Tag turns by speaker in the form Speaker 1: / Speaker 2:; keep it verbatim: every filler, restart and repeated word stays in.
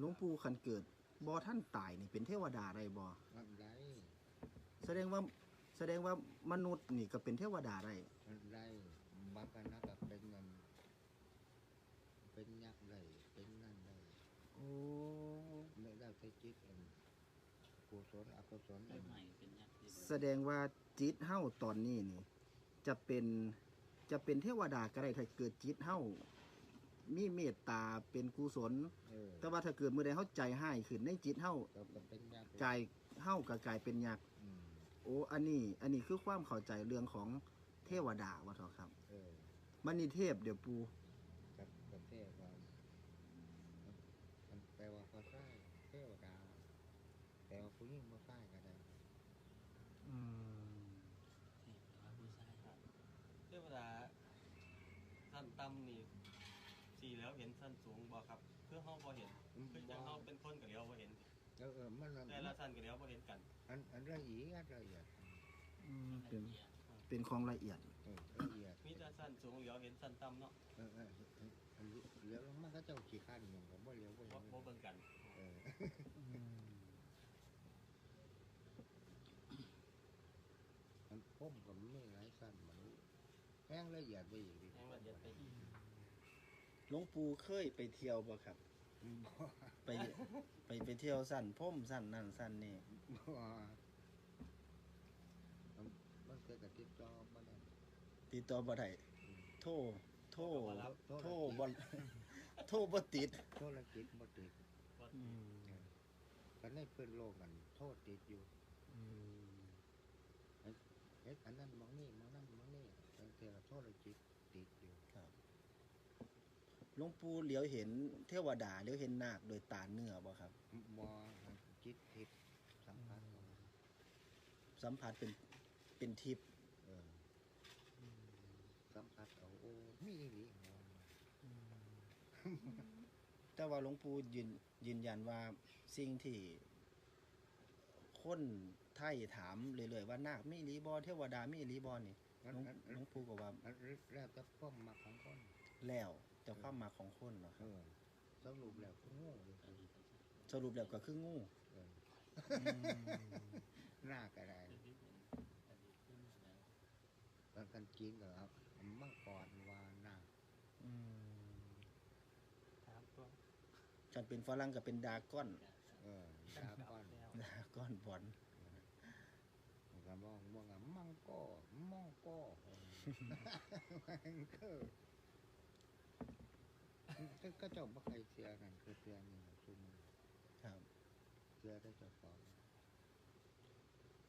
Speaker 1: หลวงปู่คันเกิดบ่ท่านตายนี่เป็นเทวดาได้บ่
Speaker 2: มันไร
Speaker 1: แสดงว่าแสดงว่ามนุษย์นี่ก็เป็นเทวดาได้
Speaker 2: มันไรบางคณะก็เป็นเงินเป็นยักษ์ได้เป็นนั่นได้
Speaker 1: โอ้
Speaker 2: ไม่ได้ใช้จิตเองกุศลอกุศลเอง
Speaker 1: แสดงว่าจิตเฮาตอนนี้นี่จะเป็นจะเป็นเทวดาก็ได้ถ้าเกิดจิตเฮามีเมตตาเป็นกุศลแต่ว่าถ้าเกิดมื้อใดเฮาใจร้ายขึ้นในจิตเฮาใจเฮาก็กลายเป็นยักษ์โอ้อันนี้อันนี้คือความเข้าใจเรื่องของเทวดาว่าเถอะครับ
Speaker 2: เออ
Speaker 1: มันนี่เทพเดี๋ยวปู
Speaker 2: กับกับเทพว่ามันแปลว่าพระไส้เทวดาแปลว่าผู้หญิงพระไส้ก็ได้
Speaker 1: อืม
Speaker 3: เทวดาผู้ชายครับเทวดาสั้นต่ำนี่สีแล้วเห็นสั้นสูงบ่ครับเพื่อห้องบ่เห็นคือจังห้องเป็นคนกับเลี้ยวบ่เห็น
Speaker 2: เออเออมัน
Speaker 3: แต่ละสั้นกับเลี้ยวบ่เห็นกัน
Speaker 2: อันอันละเอียดละเอียด
Speaker 1: เป็นเป็นของละเอียด
Speaker 2: ละเอียด
Speaker 3: มีแต่สั้นสูงเลี้ยวเห็นสั้นต่ำเนาะ
Speaker 2: เออเออเลี้ยวลงมาก็เจ้าขี้ข้านอย่างกับบ่เลี้ยวบ่เห็น
Speaker 3: บ่เบิ่งกัน
Speaker 2: เออมันพุ่มกับไม่ไรสั้นมันแห้งละเอียดไปอีก
Speaker 3: แห้งละเอียดไปอีก
Speaker 1: หลวงปู่เคยไปเที่ยวบ่ครับไปไปไปเที่ยวสั้นพุ่มสั้นนั่นสั้นนี่
Speaker 2: มันเกิดกับติดต่อบ่ได้
Speaker 1: ติดต่อบ่ได้โทรโทรโทรบ่โทรบ่ติด
Speaker 2: โทรติดบ่ติด
Speaker 1: อืม
Speaker 2: กันในเพิ่นโลกกันโทษติดอยู่
Speaker 1: อืม
Speaker 2: เฮ็ดอันนั้นมองนี่มองนั่นมองนี่แต่แต่โทษจิตติดอยู่
Speaker 1: ครับหลวงปู่เหลียวเห็นเทวดาเหลียวเห็นนาคโดยตาเนื้อบ่ครับ
Speaker 2: บ่จิตทิพย์สัมผัส
Speaker 1: สัมผัสเป็นเป็นทิพย์
Speaker 2: เออสัมผัสเอาโอ้มีอีหลี
Speaker 1: แต่ว่าหลวงปู่ยืนยืนยันว่าสิ่งที่คนไทยถามเรื่อยๆว่านาคมีอีหลีบ่เทวดามีอีหลีบ่นี่หลวงปู่ก็ว่า
Speaker 2: แล้วแต่ความมักของคน
Speaker 1: แล้วแต่ความมักของคนเนาะครับ
Speaker 2: สรุปแล้วคืองู
Speaker 1: สรุปแล้วก็คืองู
Speaker 2: หน้าก็ได้ตอนกันกินก็ครับมังกรวานา
Speaker 3: ถามตัว
Speaker 1: ฉันเป็นฝรั่งก็เป็นดาก้อน
Speaker 2: เออดาก้อน
Speaker 1: ดาก้อนบอล
Speaker 2: ก็มองมองมังก็มองก็มันก็ก็เจ้าบ่ใครเสียกันคือเสียนี่ซุ่ม
Speaker 1: ครับ
Speaker 2: เสียได้เจ้าของ